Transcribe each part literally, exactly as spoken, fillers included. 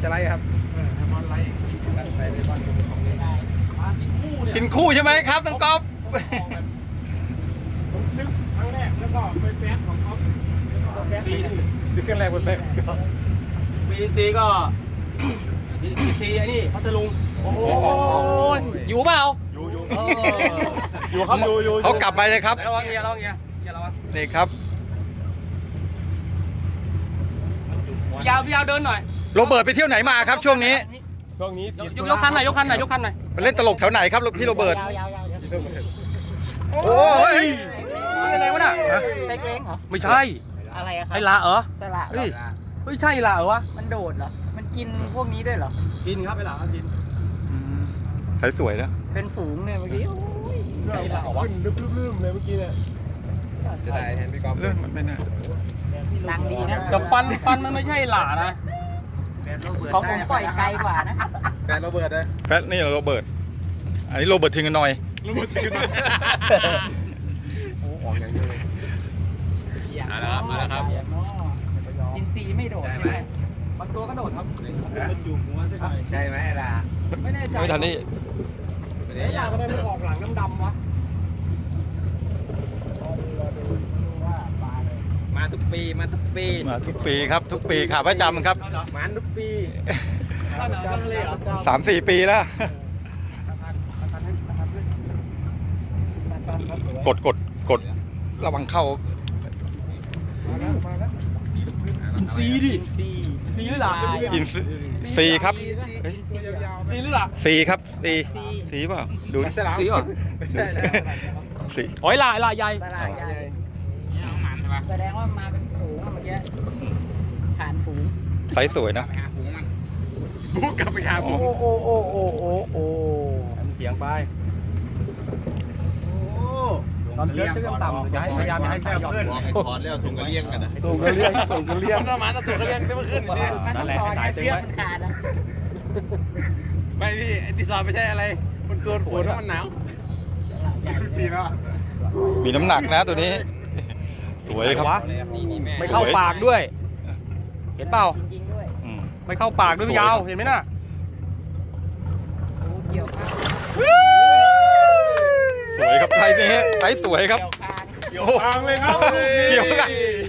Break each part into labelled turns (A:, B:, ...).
A: จะไล่ครับบอลไล่ไปในบอล
B: กินคู่ใช่ไหมครับน้องก๊อฟ
A: ผมนึกครั้งแรกแล้วก็ไปแฟนของเขาซีนึกครั้งแรกไปแฟนบีซีก็บีซีไอ้นี่พัทลุงโอ้
B: ยอยู่เปล่า
A: อยู่อยู่อยู่ครับอยู่อยู่
B: เขากลับไปเลยครับ
A: ระวังเงี้ยระวังเงี้ยอย่าระวัง
B: นี่ครับ
A: พี่ยาวพี่ยาวเดินหน่อย
B: โรเบิร์ตไปเที่ยวไหนมาครับช่วงนี้
A: ช่วงนี้ยกยกคันหน่อยยกคันหน่อยยกคันหน่อย
B: ไปเล่นตลกแถวไหนครับพี่โรเบิร์ตโอ้ย
A: อะไรวะน่ะ
C: เล็กๆเหรอ
A: ไม่ใช่
C: อะไรอะครับ
A: ไอ้ละเหรอ
C: สละ
A: เฮ้ยไม่ใช่ละเหรอวะ
C: มันโดดเหรอมันกินพวกนี้ด้วยเหรอ
A: กินครับไอ้ละกิน
B: ใสสวยนะ
C: เป็นฝูงเนี่ยเมื่อกี้
A: ไอ้ละขึ้นลืมๆเลยเมื่อกี้เนี่ยจะได้เห็นพี่กอล์ฟ
B: เรื่องมันไม่น่า
C: ดังดีนะ
A: แต่ฟันฟันมันไม่ใช่หล่านะ
C: ของผมปล่อยไกลกว่านะ
A: แฟนโรเบิร์ตเลย
B: แฟนนี่โรเบิร์ตอันนี้โรเบิร์ตทิ้งกันหน่อย
A: โรเบิร์ตทิ้งกันหน่อยโอ้ออกอย่างนี้เลยมาแล้วครับมาแล้วครับ
C: อินซีไม่โดดใช่ไหม
A: บางตัวก็โดดครับ
C: ใช่ไหมล่ะ
A: ไม่แน่ใจ
B: ไม่ทันนี่
A: ไอ้ยาก็ได้มันออกหลังดำๆวะมาทุกปีมาทุกปี
B: มาทุกปีครับทุกปีขาประจำครับ
A: มาทุกปี
B: สามสี่ปีแล้วกดกดกดระวังเข้า
A: อินซีดิซีซีหรือหล่ะ
B: อินซีครับ
A: ซีหรือหล่ะ
B: ซีครับซีซีเปล่าดู
A: ซีเหรอ
B: ซี
A: โอ้ยหล่ะหล่ะใหญ่
C: แสดงว่ามาเป็นฝูงเมื่อกี้ผ่านฝูง
B: ไซส์สวยนะ
A: บุกกลับไปหาฝูง
C: โอ้โอ้โอ้โอ้โอ้โอ้
A: เสียงไปตอนเลี้ยงก็ต่ำจะให้พยายามให้ใช้ยอด
D: ถอนแล้วส่งกระเลี้ยงกันนะ
A: ส่งกระเลี้ยงส่งกระเลี้ยง
D: มันประมาณส่งกระเลี้ยงได้เมื่อคืนนี่
C: นั่นแหละสายเสื้อมันขาดอ่ะ
D: ไม่พี่ดีไซน์ไม่ใช่อะไรมันตัวฝนแล้วมันหนาว
A: ปีแล้ว
B: มีน้ำหนักนะตัวนี้สวยครับ
A: ไม่เข้าปากด้วยเห็นเปล่าไม่เข้าปากด้วยยาวเห็นไหมน่ะ
B: สวยครับไทยนี้ไทยสวยครับ
A: เกี่ยวคางเลยครับ
B: เกี่ยวกัน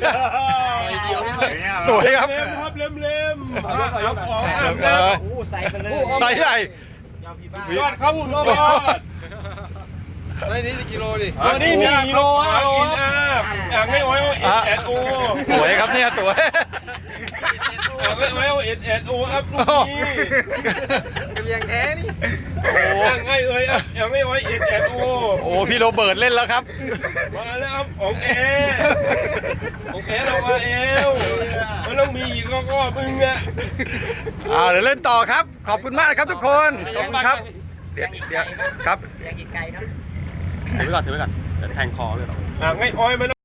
B: สวยครับ
A: เล็มเล็มครับออก
C: โอ้ใส่ไปเลย
B: ไทยใหญ่
A: ยอดครับยอด
D: ไอ้นี่จะกิโลดิ
A: นี่มีกิโลอ่ะอินอาอยากไม่ไว้เอ็ดเอ็ดโอ
B: สวยครับเนี่ยสวย
A: อยากไม่ไว้เอ็ดเอ็ดโอครับลูกนี้
D: กระเลี้ยงแท้นี่
B: โอ้
A: อยากให้เอ้ยอยากไม่ไว้เอ็ดเอ็ดโอ
B: โอ้พี่โรเบิร์ตเล่นแล้วครับ
A: มาแล้วครับของแอของแอเรามาเอวมันต้องมีอีกก็มึงอ่ะ
B: อ่าเดี๋ยวเล่นต่อครับขอบคุณมากครับทุกคนขอบคุณครับเดี๋ยวเดี๋ยวครับ
C: อยากกินไก่เนาะ
A: ถือไว้ก่อนถือไว้ก่อนจะแทงคอเลยหรออ่าไงอ้อยมัน